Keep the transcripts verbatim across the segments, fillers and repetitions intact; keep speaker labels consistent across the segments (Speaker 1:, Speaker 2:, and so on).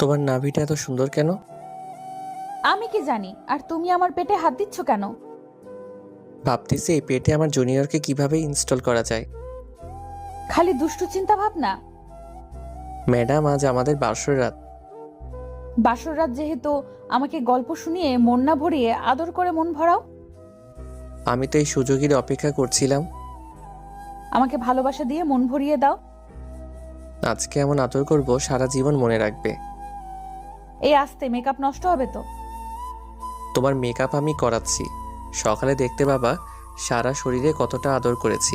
Speaker 1: তোমার নাভিটা এত সুন্দর কেন?
Speaker 2: আমি কি জানি, আর তুমি আমার পেটে হাত দিচ্ছ কেন?
Speaker 1: ভাবতেছি এই পেটে আমার জুনিয়রকে কিভাবে ইনস্টল করা যায়।
Speaker 2: খালি দুষ্টু চিন্তা ভাবনা।
Speaker 1: ম্যাডাম, আজ আমাদের বাসর রাত।
Speaker 2: বাসর রাত যেহেতু, আমাকে গল্প শুনিয়ে মন না ভরিয়ে আদর করে মন ভরাও।
Speaker 1: আমি তো এই সুযোগের অপেক্ষা করছিলাম।
Speaker 2: আমাকে ভালোবাসা দিয়ে মন ভরিয়ে দাও।
Speaker 1: আজকে এমন আদর করব সারা জীবন মনে রাখবে।
Speaker 2: এই আস্তে, মেকআপ নষ্ট হবে তো।
Speaker 1: তোমার মেকআপ আমি করাচ্ছি, সকালে দেখতে পাবা সারা শরীরে কতটা আদর করেছি।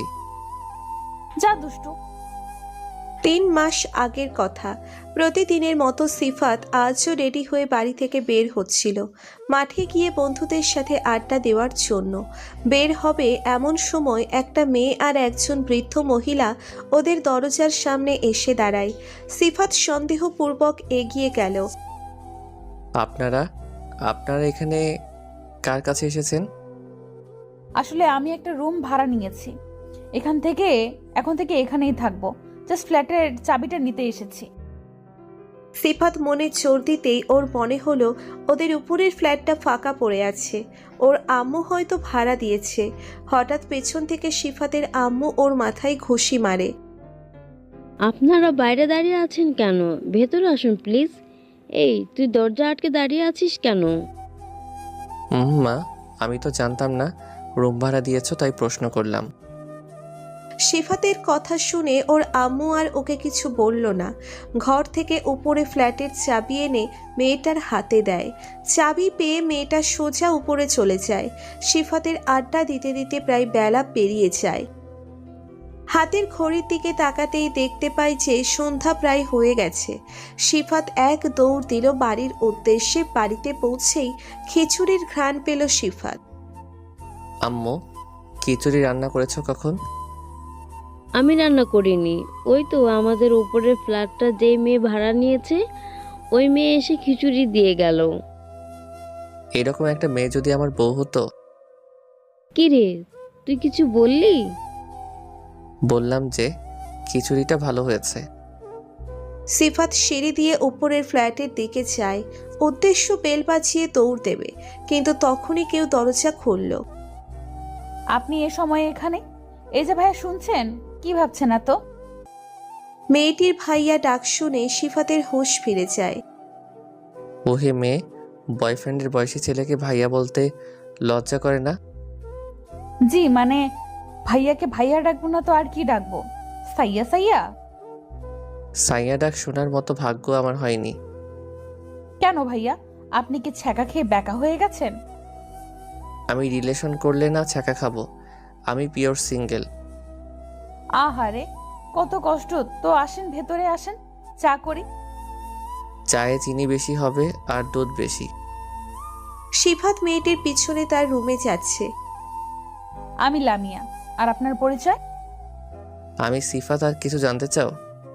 Speaker 2: যা দুষ্টু।
Speaker 3: তিন মাস আগের কথা। প্রতিদিনের মতো সিফাত আজও রেডি হয়ে বাড়ি থেকে বের হচ্ছিল মাঠে গিয়ে বন্ধুদের সাথে আড্ডা দেওয়ার জন্য। বের হবে এমন সময় একটা মেয়ে আর একজন বৃদ্ধ মহিলা ওদের দরজার সামনে এসে দাঁড়ায়। সিফাত সন্দেহপূর্বক এগিয়ে গেল।
Speaker 1: আপনারা আপনারা এখানে কার কাছে এসেছেন?
Speaker 2: আসলে আমি একটা রুম ভাড়া নিয়েছি, এখান থেকে এখন থেকে এখানেই থাকবো। জাস্ট ফ্ল্যাটের চাবিটা নিতে এসেছি।
Speaker 3: সিফাত মনে জোর দিতেই ওর মনে হলো ওদের উপরের ফ্ল্যাটটা ফাঁকা পড়ে আছে, ওর আম্মু হয়তো ভাড়া দিয়েছে। হঠাৎ পেছন থেকে সিফাতের আম্মু ওর মাথায় ঘুষি মারে।
Speaker 4: আপনারা বাইরে দাঁড়িয়ে আছেন কেন? ভেতরে আসুন প্লিজ। এই, তুই দরজা আটকে দাঁড়িয়ে আছিস কেন?
Speaker 1: হুম মা, আমি তো জানতাম না রুম ভাড়া দিয়েছো, তাই প্রশ্ন করলাম।
Speaker 3: সিফাতের কথা শুনে ওর আম্মু আর ওকে কিছু বলল না। ঘর থেকে উপরে ফ্ল্যাটের চাবি এনে মেয়েটার হাতে দেয়। চাবি পেয়ে মেয়েটা সোজা উপরে চলে যায়। সিফাতের আড্ডা দিতে দিতে প্রায় বেলা পেরিয়ে যায়। হাতের ঘড়ির দিকে তাকাতেই দেখতে পাই যে সন্ধ্যা প্রায় হয়ে গেছে। সিফাত এক দৌড় দিল বাড়ির উদ্দেশ্যে। বাড়িতে পৌঁছেই খিচুড়ির ঘ্রাণ পেল সিফাত।
Speaker 1: আম্মু, খিচুড়ি রান্না করেছো কখন?
Speaker 4: আমি রান্না করিনি। ওই তো আমাদের উপরের ফ্ল্যাটটা যেই মেয়ে ভাড়া নিয়েছে, ওই মেয়ে এসে খিচুড়ি দিয়ে গেল।
Speaker 1: এরকম একটা মেয়ে যদি আমার বউ হতো।
Speaker 4: কি রে, তুই কিছু বললি?
Speaker 1: বললাম যে খিচুড়িটা ভালো হয়েছে।
Speaker 3: সিফাত সিঁড়ি দিয়ে উপরের ফ্ল্যাটের দিকে যায়, উদ্দেশ্য বেল বাজিয়ে দৌড় দেবে, কিন্তু তখনই কেউ দরজা খুলল।
Speaker 2: আপনি এ সময়ে এখানে? এই যে ভাইয়া, শুনছেন? কি ভাবছেন এত?
Speaker 3: মেয়েটির ভাইয়া ডাক শুনে সিফাতের হুঁশ ফিরে যায়।
Speaker 1: ওহে মেয়ে, বয়ফ্রেন্ডের বয়সী ছেলেকে ভাইয়া বলতে লজ্জা করে না?
Speaker 2: জি মানে, ভাইয়াকে ভাইয়া ডাকবো না তো আর কি ডাকবো? সাইয়া সাইয়া?
Speaker 1: সাইয়া ডাক শোনার মতো ভাগ্য আমার হয়নি।
Speaker 2: কেন ভাইয়া, আপনি কি ছ্যাঁকা খেয়ে ব্যাকা হয়ে গেছেন?
Speaker 1: আমি রিলেশন করলে না ছ্যাঁকা খাবো। আমি পিওর সিঙ্গেল।
Speaker 2: আহারে, কত কষ্ট তো। আসেন ভেতরে আসেন, চা করি।
Speaker 1: চায়ে চিনি বেশি হবে আর দুধ বেশি।
Speaker 3: সিফাত মেয়েটির পিছনে তার রুমে যাচ্ছে।
Speaker 2: আমি লামিয়া। আর আপনার পরিচয়?
Speaker 1: আমি সিফাত। আর কিছু জানতে চাও?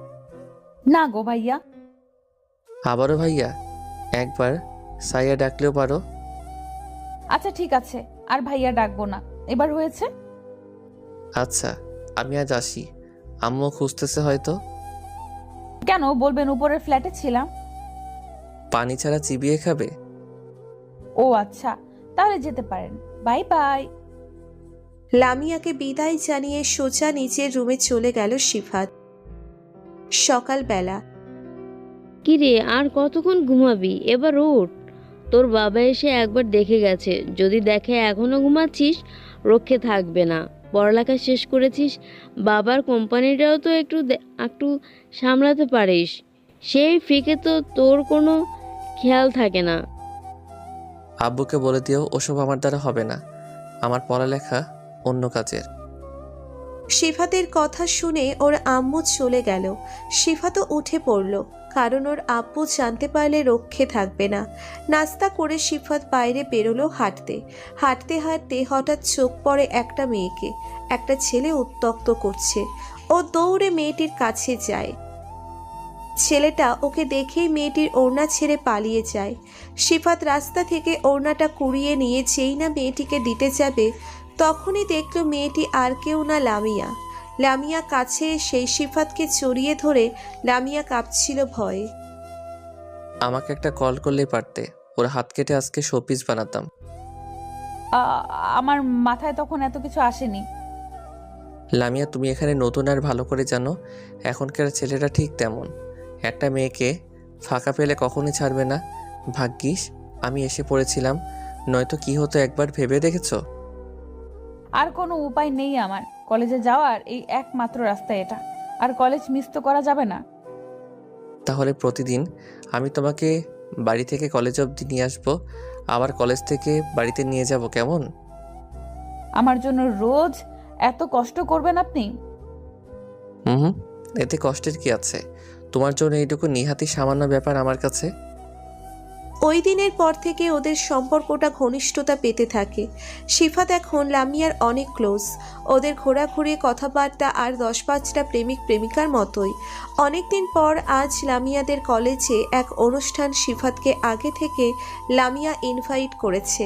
Speaker 2: না গো ভাইয়া।
Speaker 1: আবারও ভাইয়া? একবার সাইয়া ডাকলেও পারো।
Speaker 2: আচ্ছা ঠিক আছে, আর ভাইয়া ডাকবো না, এবার হয়েছে।
Speaker 1: আচ্ছা, আমি আজ আসি। আম্মু খুঁজতেছে হয়তো।
Speaker 2: কেন বলবেন, উপরের ফ্ল্যাটে ছিলাম।
Speaker 1: পানি ছাড়া চিবিয়ে খাবে?
Speaker 2: ও আচ্ছা, তাহলে যেতে পারেন। Bye bye.
Speaker 3: লামিয়াকে বিদায় জানিয়ে সোজা নিচের রুমে চলে গেল সিফাত। সকালবেলা।
Speaker 4: কি রে, আর কতক্ষণ ঘুমাবি? এবার ওঠ। তোর বাবা এসে একবার দেখে গেছে, যদি দেখে এখনো ঘুমাচ্ছিস, রক্ষে থাকবে না। পড়ালেখা শেষ করেছিস, বাবার কোম্পানিটাও তো একটু একটু সামলাতে পারিস। সেই ফিকে তো তোর কোনো খেয়াল থাকে না।
Speaker 1: আব্বুকে বলে দিও ওসব আমার দ্বারা হবে না। আমার পড়ালেখা অন্য কাজের।
Speaker 3: সিফাতের কথা শুনে ওর আম্মু চলে গেল। সিফাতও উঠে পড়ল, কারণ ওর আব্বু জানতে পারলে রক্ষে থাকবে না। নাস্তা করে সিফাত বাইরে বেরোলো হাঁটতে। হাঁটতে হাঁটতে হঠাৎ চোখ পড়ে একটা মেয়েকে। একটা ছেলে উত্ত্যক্ত করছে। ও দৌড়ে মেয়েটির কাছে যায়। ছেলেটা ওকে দেখেই মেয়েটির ওড়না ছেড়ে পালিয়ে যায়। সিফাত রাস্তা থেকে ওড়নাটা কুড়িয়ে নিয়ে যেই না মেয়েটিকে দিতে যাবে, তখনই দেখল মেয়েটি আর কেউ না, লামিয়া। লামিয়া কাছে এসে সিফাতকে জড়িয়ে ধরে লামিয়া কাঁপছিল ভয়ে।
Speaker 1: আমাকে একটা কল করলেই পারতে, ওর হাত কেটে আজকে শোপিস বানাতাম।
Speaker 2: আ- আমার মাথায় তখন এত কিছু আসেনি।
Speaker 1: লামিয়া, তুমি এখানে নতুন আর ভালো করে জানো এখনকার ছেলেরা ঠিক তেমন। একটা মেয়েকে ফাঁকা পেলে কখনোই ছাড়বে না। ভাগ্যিস আমি এসে পড়েছিলাম, নয়তো কি হতো একবার ভেবে দেখেছো?
Speaker 2: আর কোনো উপায় নেই আমার, কলেজে যাওয়ার এই একমাত্র রাস্তা এটা, আর কলেজ মিস তো করা যাবে না।
Speaker 1: তাহলে প্রতিদিন আমি তোমাকে বাড়ি থেকে কলেজ অবধি নিয়ে আসবো, আবার কলেজ থেকে বাড়িতে নিয়ে যাব, কেমন?
Speaker 2: আমার জন্য রোজ এত কষ্ট করবেন আপনি?
Speaker 1: হুম হুম, এতে কষ্টের কি আছে? তোমার জন্য এইটুকু নিহাতি সামান্য ব্যাপার আমার কাছে।
Speaker 3: ওই দিনের পর থেকে ওদের সম্পর্কটা ঘনিষ্ঠতা পেতে থাকে। সিফাত এখন লামিয়ার অনেক ক্লোজ। ওদের ঘোরাঘুরি, কথাবার্তা আর দশ পাঁচটা প্রেমিক প্রেমিকার মতোই। অনেকদিন পর আজ লামিয়াদের কলেজে এক অনুষ্ঠান সিফাতকে আগে থেকে লামিয়া ইনভাইট করেছে।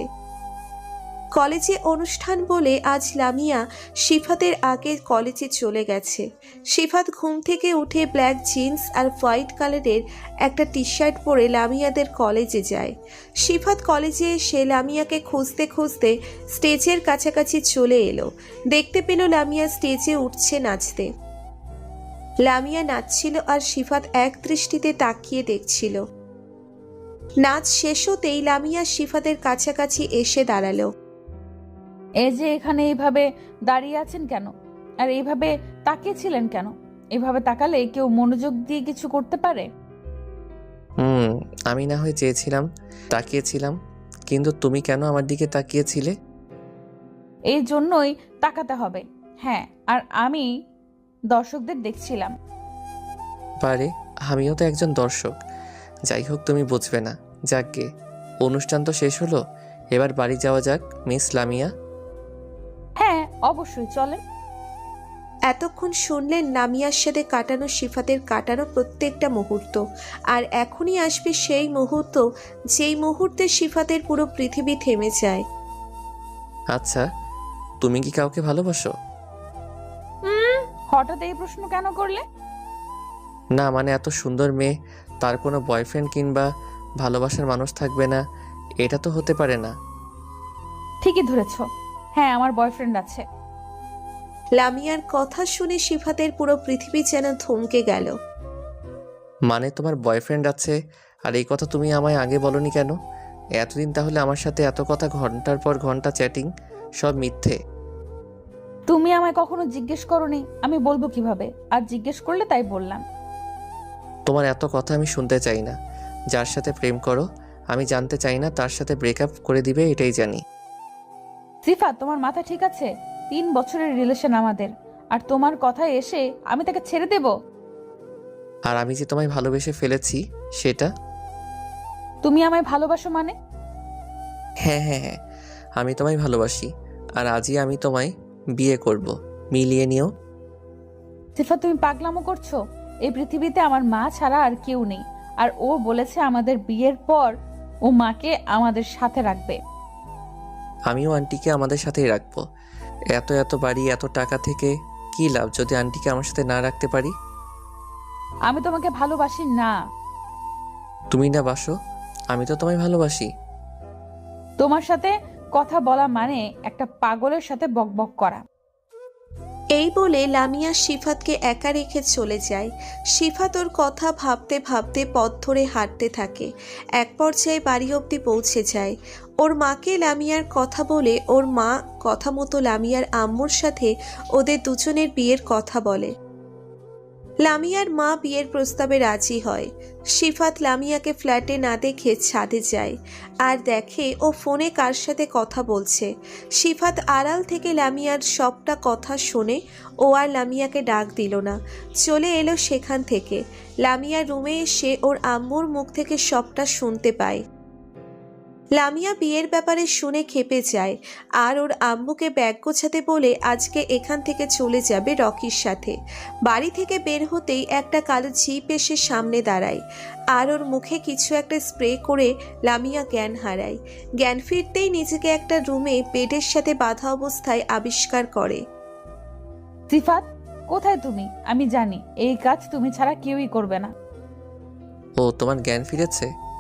Speaker 3: কলেজে অনুষ্ঠান বলে আজ লামিয়া সিফাতের আগে কলেজে চলে গেছে। সিফাত ঘুম থেকে উঠে ব্ল্যাক জিন্স আর হোয়াইট কালারের একটা টি শার্ট পরে লামিয়াদের কলেজে যায়। সিফাত কলেজে এসে লামিয়াকে খুঁজতে খুঁজতে স্টেজের কাছাকাছি চলে এলো। দেখতে পেল লামিয়া স্টেজে উঠছে নাচতে। লামিয়া নাচছিল আর সিফাত এক দৃষ্টিতে তাকিয়ে দেখছিল। নাচ শেষ হতেই লামিয়া সিফাতের কাছাকাছি এসে দাঁড়ালো।
Speaker 2: এই যে এখানে এইভাবে দাঁড়িয়ে আছেন কেন, আর এইভাবে তাকিয়েছিলেন কেন? এভাবে তাকালে কেউ মনোযোগ দিয়ে কিছু করতে পারে?
Speaker 1: হুম, আমি না হয় চেয়েছিলাম, তাকিয়েছিলাম, কিন্তু তুমি কেন আমার দিকে তাকিয়েছিলে?
Speaker 2: এই জন্যই তাকাতে হবে। হ্যাঁ, আর আমি দর্শকদের দেখছিলাম।
Speaker 1: পারে, আমিও তো একজন দর্শক। যাই হোক, তুমি বুঝবে না। যাকগে, অনুষ্ঠান তো শেষ হলো, এবার বাড়ি যাওয়া যাক মিস লামিয়া।
Speaker 2: হ্যাঁ, অবশ্যই চলেন।
Speaker 3: এতক্ষণ শুনলেন লামিয়ার সাথে কাটানো সিফাতের কাটানো প্রত্যেকটা মুহূর্ত, আর এখনই আসবে সেই মুহূর্ত যেই মুহূর্তে সিফাতের পুরো পৃথিবী থেমে যায়।
Speaker 1: আচ্ছা, তুমি কি কাউকে ভালোবাসো?
Speaker 2: হুম, হঠাৎ এই প্রশ্ন কেন করলে?
Speaker 1: না মানে, এত সুন্দর মেয়ে, তার কোনো বয়ফ্রেন্ড কিংবা ভালোবাসার মানুষ থাকবে না, এটা তো হতে পারে না।
Speaker 2: ঠিকই ধরেছ, হ্যাঁ আমার বয়ফ্রেন্ড আছে।
Speaker 3: লামিয়ার কথা শুনে সিফাতের পুরো পৃথিবী যেন থমকে গেল।
Speaker 1: মানে তোমার বয়ফ্রেন্ড আছে, আর এই কথা তুমি আমায় আগে বলনি কেন? এতদিন তাহলে আমার সাথে এত কথা, ঘন্টার পর ঘন্টা চ্যাটিং, সব মিথ্যে।
Speaker 2: তুমি আমায় কখনো জিজ্ঞেস করোনি, আমি বলবো কিভাবে? আর জিজ্ঞেস করলে তাই বললাম।
Speaker 1: তোমার এত কথা আমি শুনতে চাই না। যার সাথে প্রেম করো আমি জানতে চাই না, তার সাথে ব্রেকআপ করে দিবে এটাই জানি।
Speaker 2: সিফা, তোমার মাথা ঠিক আছে? তিন বছরের রিলেশন আমাদের, আর তোমার কথায় এসে আমি তাকে ছেড়ে দেব?
Speaker 1: আর আমি যে তোমায় ভালোবেসে ফেলেছি সেটা।
Speaker 2: তুমি আমায় ভালোবাসো মানে?
Speaker 1: হ্যাঁ হ্যাঁ হ্যাঁ, আমি তোমায় ভালোবাসি, আর আজই আমি তোমায় বিয়ে করব, মিলিয়ে নিও।
Speaker 2: সিফা, তুমি পাগলামো করছো? এই পৃথিবীতে আমার মা ছাড়া আর কেউ নেই, আর ও বলেছে আমাদের বিয়ের পর ও মাকে আমাদের সাথে রাখবে।
Speaker 1: আমিও আন্টিকে আমাদের সাথেই রাখবো। এত এত বাড়ি, এত টাকা থেকে কি লাভ যদি আন্টিকে আমার সাথে না রাখতে পারি?
Speaker 2: আমি তোমাকে ভালোবাসি না।
Speaker 1: তুমি না বাসো, আমি তো তোমায় ভালোবাসি।
Speaker 2: তোমার সাথে কথা বলা মানে একটা পাগলের সাথে বকবক করা।
Speaker 3: এই বলে লামিয়া সিফাতকে একা রেখে চলে যায়। সিফাত ওর কথা ভাবতে ভাবতে পথ ধরে হাঁটতে থাকে। এক পর্যায়ে বাড়ি অবধি পৌঁছে যায়। ওর মাকে লামিয়ার কথা বলে ওর মা কথা মতো লামিয়ার আম্মুর সাথে ওদের দুজনের বিয়ের কথা বলে। লামিয়ার মা বিয়ের প্রস্তাবে রাজি হয়। সিফাত লামিয়াকে ফ্ল্যাটে না দেখে ছাদে যায় আর দেখে ও ফোনে কার সাথে কথা বলছে। সিফাত আড়াল থেকে লামিয়ার সবটা কথা শুনে ও আর লামিয়াকে ডাক দিল না, চলে এলো সেখান থেকে। লামিয়ার রুমে এসে ওর আম্মুর মুখ থেকে সবটা শুনতে পায়। লামিয়া বিয়ের ব্যাপারে শুনে খেপে যায় আর ওর আম্মুকে ব্যাগ গোছাতে বলে আজকে এখান থেকে চলে যাবে রকির সাথে। বাড়ি থেকে বের হতেই একটা কালো জিপ এসে সামনে দাঁড়ায় আর ওর মুখে কিছু একটা স্প্রে করে লামিয়া জ্ঞান হারায়। জ্ঞান ফিরতেই নিজেকে একটা রুমে বেডের সাথে বাঁধা অবস্থায় আবিষ্কার করে।
Speaker 2: সিফাত, কোথায় তুমি? আমি জানি এই কাজ তুমি ছাড়া কেউই করবে না।
Speaker 1: ও, তোমার জ্ঞান ফিরেছে?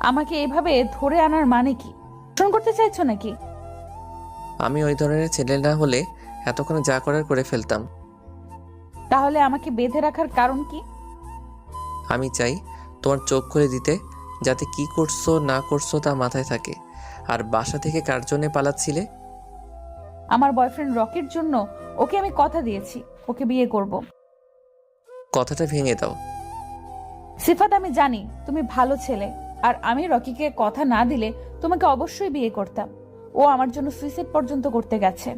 Speaker 2: আমাকে এভাবে ধরে আনার মানে কি? শোন করতে চাইছো নাকি?
Speaker 1: আমি ওই ধরনের ছেলে না হলে এতক্ষণে যা করার করে ফেলতাম।
Speaker 2: তাহলে আমাকে বেঁধে রাখার কারণ কি?
Speaker 1: আমি চাই তোমার চোখ খুলে দিতে, যাতে কি করছো না করছো তা মাথায় থাকে। আর বাসা থেকে কার জন্যে পালাচ্ছিলে?
Speaker 2: আমার বয়ফ্রেন্ড রকির জন্য। ওকে আমি কথা দিয়েছি, ওকে বিয়ে করব।
Speaker 1: কথাটা ভেঙে দাও।
Speaker 2: সিফাত, আমি জানি তুমি ভালো ছেলে, আর আমি রকিকে কথা না দিলে তোমাকে অবশ্যই বিয়ে করতাম। ও আমার জন্য সুইসাইড পর্যন্ত করতে গেছে।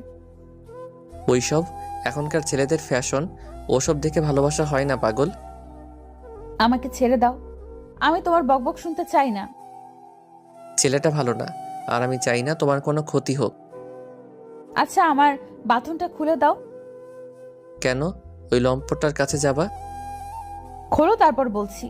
Speaker 1: ওইসব এখনকার ছেলেদের ফ্যাশন, ওসব দেখে ভালোবাসা হয় না পাগল।
Speaker 2: আমাকে ছেড়ে দাও, আমি তোমার বকবক শুনতে চাই না।
Speaker 1: ছেলেটা ভালো না, আর আমি চাই না তোমার কোনো ক্ষতি হোক।
Speaker 2: আচ্ছা, আমার বাথরুমটা খুলে দাও।
Speaker 1: কেন ওই লম্পটটার কাছে যাবা?
Speaker 2: খোলো, তারপর বলছি।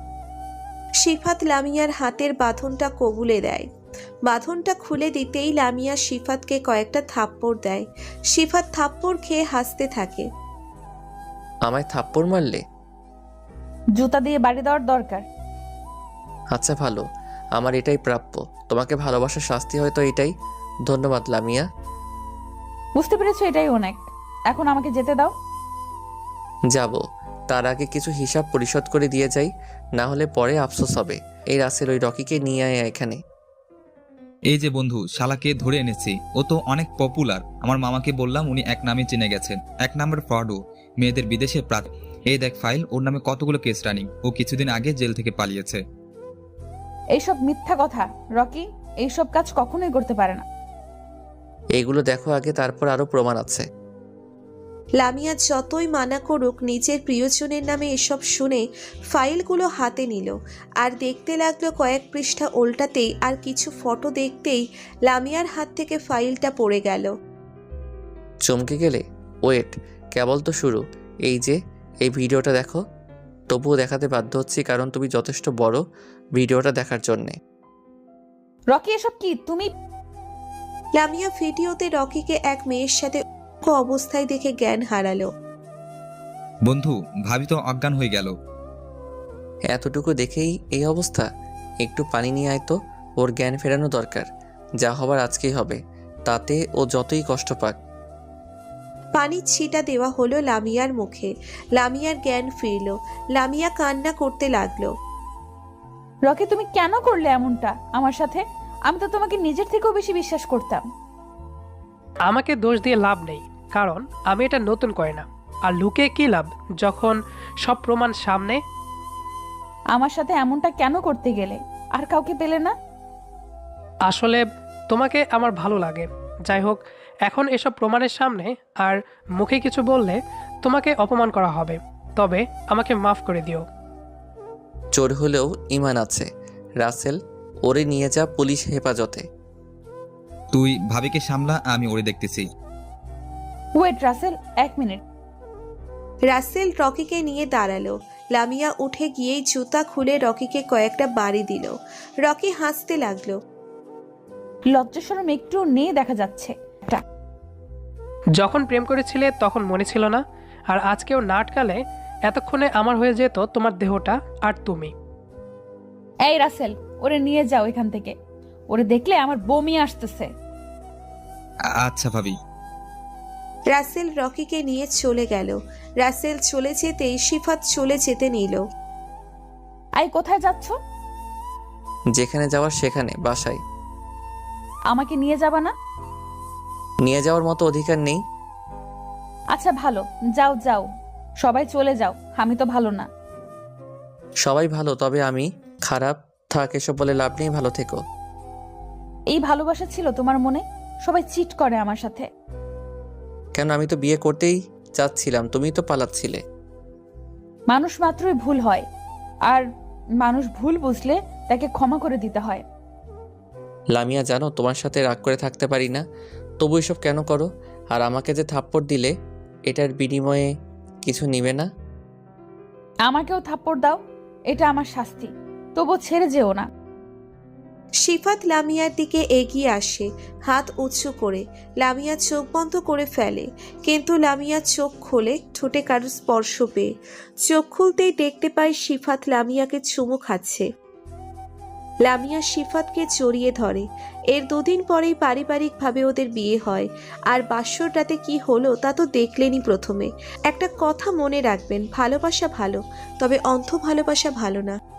Speaker 3: সিফাত লামিয়ার হাতের বাঁধনটা কবুলে দেয়। বাঁধনটা খুলে দিতেই লামিয়া সিফাতকে কয়েকটা থাপ্পড় দেয়। সিফাত থাপ্পড় খেয়ে হাসতে থাকে।
Speaker 1: আমায় থাপ্পড় মারলে?
Speaker 2: জুতা দিয়ে বাড়ি দেওয়ার দরকার।
Speaker 1: আচ্ছা ভালো, আমার এটাই প্রাপ্য। তোমাকে ভালোবাসার শাস্তি হয়তো এটাই। ধন্যবাদ লামিয়া।
Speaker 2: বুঝতে পেরেছো, এটাই অনেক। এখন আমাকে যেতে দাও।
Speaker 1: যাব, তার আগে কিছু হিসাব পরিশোধ করে দিয়ে যাই, না হলে পরে আফসোস হবে। এই রাসেল ওই রকিকে নিয়ে আয় এখানে।
Speaker 5: এই যে বন্ধু, শালাকে ধরে এনেছি। ও তো অনেক পপুলার। আমার মামাকে বললাম, উনি এক নামে চিনে গেছেন। এক নাম্বার ফ্রডও, মেয়েদের বিদেশে প্রাত। এই দেখ ফাইল, ওর নামে কতগুলো কেস রানিং। ও কিছুদিন আগে জেল থেকে পালিয়েছে।
Speaker 2: এইসব মিথ্যা কথা। রকি এইসব কাজ কখনোই করতে পারে না।
Speaker 1: এইগুলো দেখো আগে, তারপর আরো প্রমাণ আছে।
Speaker 3: লামিয়া যতই মানা করুক, নিজের প্রিয়জনের নামে এসব শুনে ফাইলগুলো হাতে নিল আর দেখতে লাগলো। কয়েক পৃষ্ঠা উল্টাতেই আর কিছু ফটো দেখতেই লামিয়ার হাত থেকে ফাইলটা পড়ে গেল।
Speaker 1: চমকে গেলে? ওয়েট, কেবল তো শুরু। এই যে এই ভিডিওটা দেখো। তবুও দেখাতে বাধ্য হচ্ছি, কারণ তুমি যথেষ্ট বড় ভিডিওটা দেখার জন্যে।
Speaker 2: রকি, এসব কি তুমি?
Speaker 3: লামিয়া ভিডিওতে রকিকে এক মেয়ের সাথে অবস্থায় দেখে জ্ঞান হারালো।
Speaker 5: বন্ধু, ভাবি তো অজ্ঞান হয়ে গেল।
Speaker 1: এতটুকু দেখেই এই অবস্থা? একটু পানি নিয়ে আয় তো, ওর জ্ঞান ফেরানো দরকার। যা হবার আজকেই হবে, তাতে ও যতই কষ্ট পাক।
Speaker 3: পানির ছিটা দেওয়া হলো লামিয়ার মুখে। লামিয়ার জ্ঞান ফিরল। লামিয়া কান্না করতে লাগলো।
Speaker 2: রকি, তুমি কেন করলে এমনটা আমার সাথে? আমি তো তোমাকে নিজের থেকেও বেশি বিশ্বাস করতাম।
Speaker 6: আমাকে দোষ দিয়ে লাভ নেই, কারণ আমি এটা নতুন করে না। আর লুকিয়ে কি লাভ যখন সব প্রমাণ সামনে?
Speaker 2: আমার সাথে এমনটা কেন করতে গেলে? আর কাউকে পেলে না?
Speaker 6: আসলে তোমাকে আমার ভালো লাগে। যাই হোক, এখন এসব প্রমাণের সামনে আর মুখে কিছু বললে তোমাকে অপমান করা হবে। তবে আমাকে মাফ করে দিও।
Speaker 1: চোর হলেও ইমান আছে। রাসেল, ওরে নিয়ে যা পুলিশ হেফাজতে।
Speaker 5: তুই ভাবিকে সামলা, আমি ওরে দেখতেছি।
Speaker 2: ওয়েট রাসেল, এক মিনিট।
Speaker 3: রাসেল রকিকে নিয়ে দাঁড়ালো। লামিয়া উঠে গিয়েই জুতা খুলে রকিকে কয়েকটা বাড়ি দিল। রকি হাসতে লাগলো।
Speaker 2: লজ্জা শরম একটু নেই দেখা যাচ্ছে।
Speaker 6: যখন প্রেম করেছিলে তখন মনে ছিল না? আর আজকেও না আটকালে এতক্ষণে আমার হয়ে যেত তোমার দেহটা আর তুমি।
Speaker 2: এই রাসেল, ওরে নিয়ে যাও এখান থেকে। ওরে দেখলে আমার বমি আসতেছে।
Speaker 5: আ- আচ্ছা ভাবি।
Speaker 3: রাসেল রকিকে নিয়ে চলে গেল। রাসেল চলে যেতেই সিফাত চলে যেতে নিল।
Speaker 2: আই, কোথায় যাচ্ছ?
Speaker 1: যেখানে যাওয়ার সেখানে, বাসায়।
Speaker 2: আমাকে নিয়ে যাবা না?
Speaker 1: নিয়ে যাওয়ার মতো অধিকার নেই।
Speaker 2: আচ্ছা ভালো, যাও যাও, সবাই চলে যাও। আমি তো ভালো না।
Speaker 1: সবাই ভালো, তবে আমি খারাপ। থাক, এসব বলে লাভ নেই, ভালো থেকো।
Speaker 2: এই ভালোবাসা ছিল তোমার মনে? সবাই চিট করে আমার সাথে।
Speaker 1: কেন, আমি তো বিয়ে করতেই চাচ্ছিলাম, তুমি তো পালাচ্ছিলে।
Speaker 2: মানুষ মাত্রই ভুল হয়, আর মানুষ ভুল বুঝলে তাকে ক্ষমা করে দিতে হয়।
Speaker 1: লামিয়া, জানো তোমার সাথে রাগ করে থাকতে পারি না, তবু এসব কেন করো? আর আমাকে যে থাপ্পড় দিলে, এটার বিনিময়ে কিছু নিবে না?
Speaker 2: আমাকেও থাপ্পড় দাও, এটা আমার শাস্তি। তবু ছেড়ে যেও না।
Speaker 3: সিফাত লামিয়ার দিকে এগিয়ে আসে, হাত উঁচু করে। লামিয়া চোখ বন্ধ করে ফেলে, কিন্তু লামিয়া চোখ খোলে ঠোঁটে কারো স্পর্শ পেয়ে। চোখ খুলতেই দেখতে পায় সিফাত লামিয়াকে চুমু খাচ্ছে। লামিয়া শিফাতকে জড়িয়ে ধরে। এর দুদিন পরেই পারিবারিকভাবে ওদের বিয়ে হয়। আর বাসর রাতে কি হলো তা তো দেখলেনই প্রথমে। একটা কথা মনে রাখবেন, ভালোবাসা ভালো, তবে অন্ধ ভালোবাসা ভালো না।